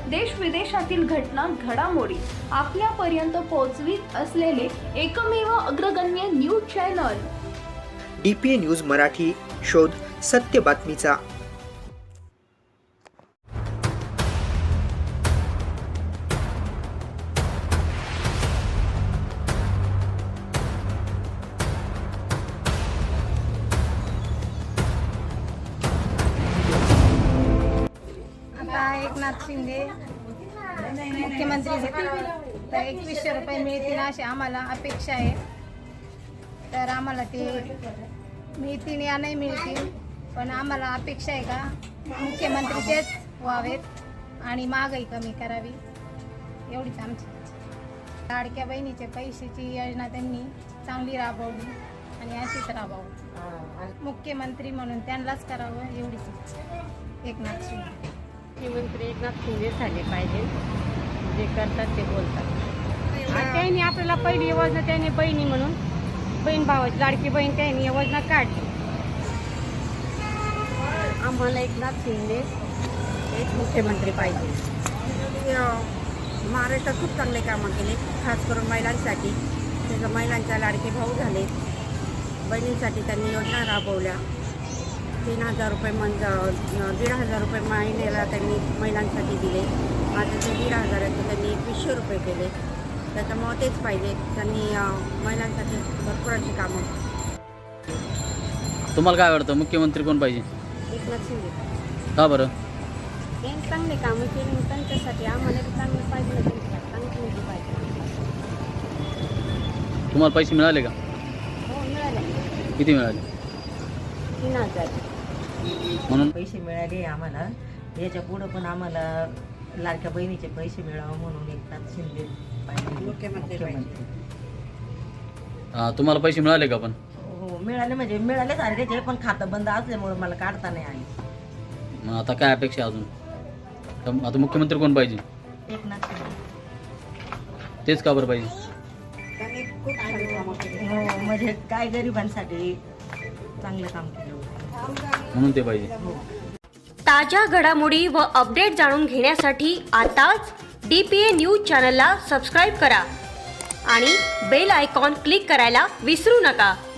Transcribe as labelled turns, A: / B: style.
A: देश विदेशातील घटना घडामोडी आपल्यापर्यंत पोहोचवित असलेले एकमेव अग्रगण्य news channel
B: DPA news Marathi. शोध सत्य बातमीचा.
C: एकनाथ शिंदे मुख्यमंत्री झाले तर 2100 रुपये मिळतील अशी आम्हाला अपेक्षा आहे. तर आम्हाला ते मिळतील या नाही मिळतील, पण आम्हाला अपेक्षा आहे का मुख्यमंत्री तेच व्हावेत आणि महागाई कमी करावी, एवढीच आमची इच्छा. लाडक्या बहिणीच्या पैशाची योजना त्यांनी चांगली राबवली आणि अशीच राबवू. मुख्यमंत्री म्हणून त्यांनाच करावं एवढीच इच्छा. एकनाथ शिंदे
D: मुख्यमंत्री एकनाथ शिंदे झाले पाहिजे. जे करतात ते बोलतात. त्यांनी आपल्याला पहिली योजना त्यांनी बहिणी म्हणून बहीण भावाची लाडकी बहीण त्यांनी योजना काढली. आम्हाला एकनाथ शिंदे एक मुख्यमंत्री पाहिजे.
E: महाराष्ट्रात खूप चांगले कामं केले, खास करून महिलांसाठी. त्याचं महिलांच्या लाडके भाऊ झाले. बहिणींसाठी त्यांनी योजना राबवल्या. 3000 रुपये 1500 रुपये महिन्याला त्यांनी महिलांसाठी दिले. आता ते 1500 त्यांनी 2100 रुपये केले. त्याच्यामुळे तेच पाहिजे. त्यांनी महिलांसाठी भरपूर अशी कामं.
F: तुम्हाला काय वाटतं मुख्यमंत्री कोण पाहिजे?
D: एकनाथ शिंदे.
F: का बरं?
D: त्यांनी चांगले कामं केली, त्यांच्यासाठी आम्हाला चांगलं पाहिजे, चांगली मुलगी पाहिजे.
F: तुम्हाला पैसे मिळाले का?
D: हो, मिळाले.
F: किती मिळाले?
D: 3000.
F: म्हणून
G: पैसे मिळाले आम्हाला. याच्या पुढं पण आम्हाला लाडक्या बहिणीचे पैसे मिळावं म्हणून एकनाथ शिंदे पाहिजे मुख्यमंत्री.
F: तुम्हाला पैसे मिळाले का? पण
G: हो, मिळाले म्हणजे मिळालेच आले त्याचे, पण खातं बंद असल्यामुळे मला काढता नाही आले.
F: मग आता काय अपेक्षा अजून? आता मुख्यमंत्री कोण पाहिजे?
G: एकनाथ शिंदे.
F: तेच का बरं पाहिजे?
E: त्यांनी खूप छान कामं केली.
G: हो, म्हणजे काय गरिबांसाठी चांगलं काम केलं
F: म्हणून ते पाहिजे.
H: ताज्या घडामोडी व अपडेट जाणून घेण्यासाठी आताच DPA न्यूज चॅनलला सबस्क्राईब करा आणि बेल आयकॉन क्लिक करायला विसरू नका.